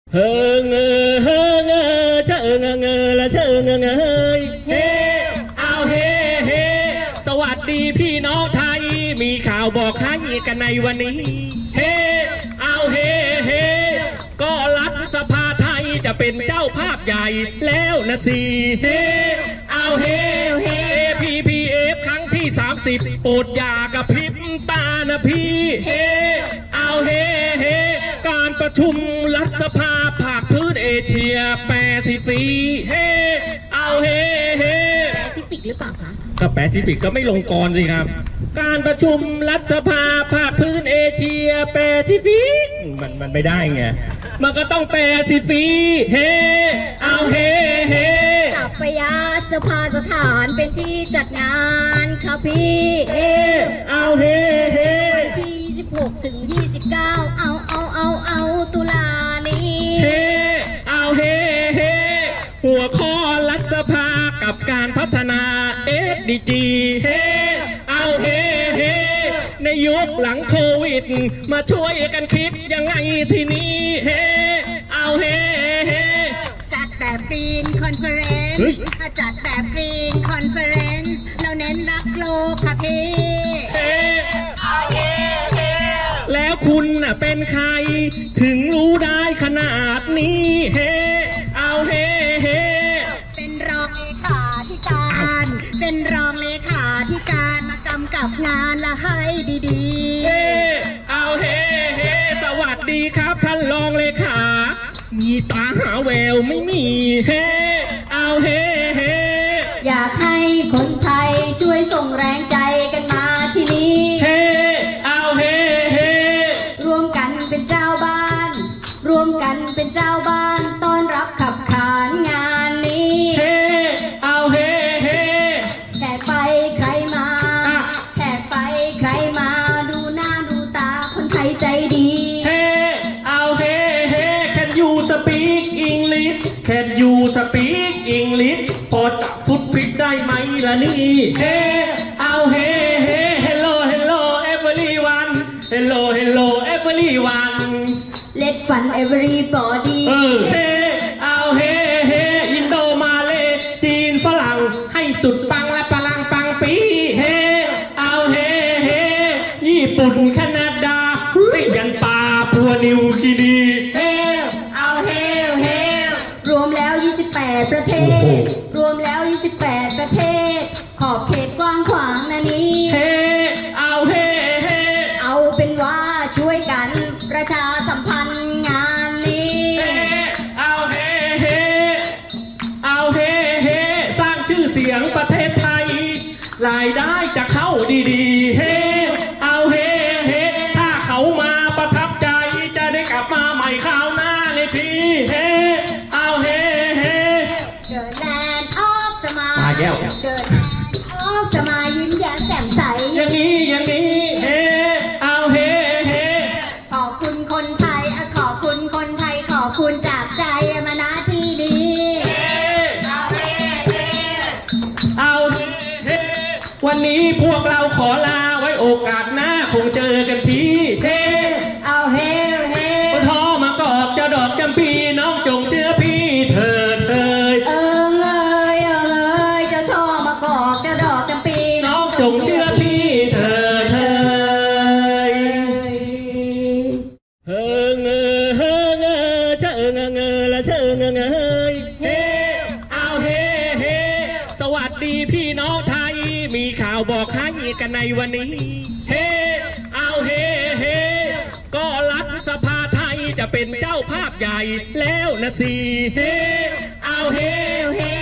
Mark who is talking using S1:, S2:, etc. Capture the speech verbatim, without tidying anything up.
S1: เฮิงเออเฮิงเออเชอเงเงอละเชอเงเงยเฮเอาเฮเฮสวัสดีพี่น้องไทยมีข่าวบอกให้กันในวันนี้เฮเอาเฮเฮก็รัฐสภาไทยจะเป็นเจ้าภาพใหญ่แล้วนะสิเฮเอาเฮเฮพีพีเอฟครั้งที่สามสิบโปรดอย่ากระพริบตานะพี่เฮเอาเฮเฮการประชุมรัฐสภาภาคพื้นเอเชียแปซิฟิกเฮเอาเฮเฮ
S2: แปซิฟิกหรือเปล่าคะ
S1: ก็แปซิฟิกก็ไม่ลงกรสิครับการประชุมรัฐสภาภาคพื้นเอเชียแปซิฟิกมันมันไม่ได้ไงมันก็ต้องแปซิฟิกเฮเอาเฮเฮ
S2: สัพยาสภาสถานเป็นที่จัดงานครับพี่เฮ
S1: เอาเฮเฮ
S2: วันที่ยี่สิบหกถึงยี่สิบเก้าเอาเอาเอาเอาตุลานี้
S1: เฮเอาเฮเฮหัวข้อรัฐสภากับการพัฒนา เอส ดี จี เฮเอาเฮเฮในยุคหลังโควิดมาช่วยกันคิดยังไงทีนี้เฮเอาเฮเฮ
S2: จัดแบบกรีนคอนเฟอเรนซ์จัดแบบกรีนคอนเฟอเรนซ์เราเน้นรักโลกค่ะพี่
S1: เฮเอาเฮเฮแล้วคุณน่ะเป็นใครถึงรู้ได้ขนาดนี้เฮเอาเฮเฮ
S2: เป็นรองเลขาธิการเป็นรองเลขาธิการมากำกับงานละให้ดีๆ
S1: เฮเอาเฮเฮสวัสดีครับท่านรองเลขามีตาหาแววไม่มีเฮเอาเฮเฮ
S2: อยากให้คนไทยช่วยส่งแรงใจกันมาที่นี่
S1: เฮเอาเฮเฮ
S2: รวมกันเป็นเจ้าบ้านรวมกันเป็นเจ้าบ้านต้อนรับขับขานงานนี้
S1: เฮเอาเฮเฮ
S2: แขกไปใครมาแขกไปใครมาดูหน้าดูตาคนไทยใจดี
S1: เฮเอาเฮเฮ Can you speak English Can you speak English พอจับฟุตฟิตได้ไหมล่ะนี่เฮเอาเฮเฮ Hello Hello everyone Hello Hello everyone
S2: Let fun everybody
S1: เออเฮเอาเฮเฮอินโดมาเลจีนฝรั่งให้สุดปังและพลังปังปีเฮเอาเฮเฮญี่ปุ่นแคนาดาไม่ยันป่าพัวนิวคีนี
S2: เฮเอาเฮเฮรวมแล้วยี่สิบแปดประเทศรวมแล้วยี่สิบแปดประเทศขอบเขตกว้างขวางนะนี้
S1: เฮเอาเฮเฮ
S2: เอาเป็นว่าช่วยกันประชาสัมพันธ์งานนี้
S1: เฮเอาเฮเฮเอาเฮเฮสร้างชื่อเสียงประเทศไทยรายได้จะเข้าดีๆเฮเอาเฮเฮถ้าเขามาประทับใจจะได้กลับมาใหม่คราวหน้าไงพี่เฮเอาเฮเฮ
S2: The land of สมาย
S1: มาแก้ว
S2: The land of สมายยิ้มแย้มแจ่มใส
S1: อย่างนี้อย่างนี้เฮเอาเฮเฮ
S2: ขอบคุณคนไทยขอบคุณคนไทยขอบคุณจากใจมาณที่นี้
S1: เอาเฮเฮเอาเฮเฮวันนี้พวกเราขอลาไว้โอกาสหน้าคงเจอกันทีเฮ
S2: เอาเฮเฮ
S1: ทอมากอกจะดอกจำปีน้องจงเชื่อพี่เถิดเอ่ย
S2: เอิงเอ่ยเอิงเอ่ยจะชอมากอกจะดอกจำปี
S1: น้องจงเชื่อพี่เถิดเอ่ยเฮิงเอ่อเฮิงเอ่อเชอเงเงอละเชอเงเงยเฮเอาเฮเฮสวัสดีพี่น้องไทยมีข่าวบอกให้กันในวันนี้เฮเอาเฮเฮก็รัฐสภาไทยจะเป็นเจ้าภาพใหญ่แล้วนะสิเฮเอาเฮเฮ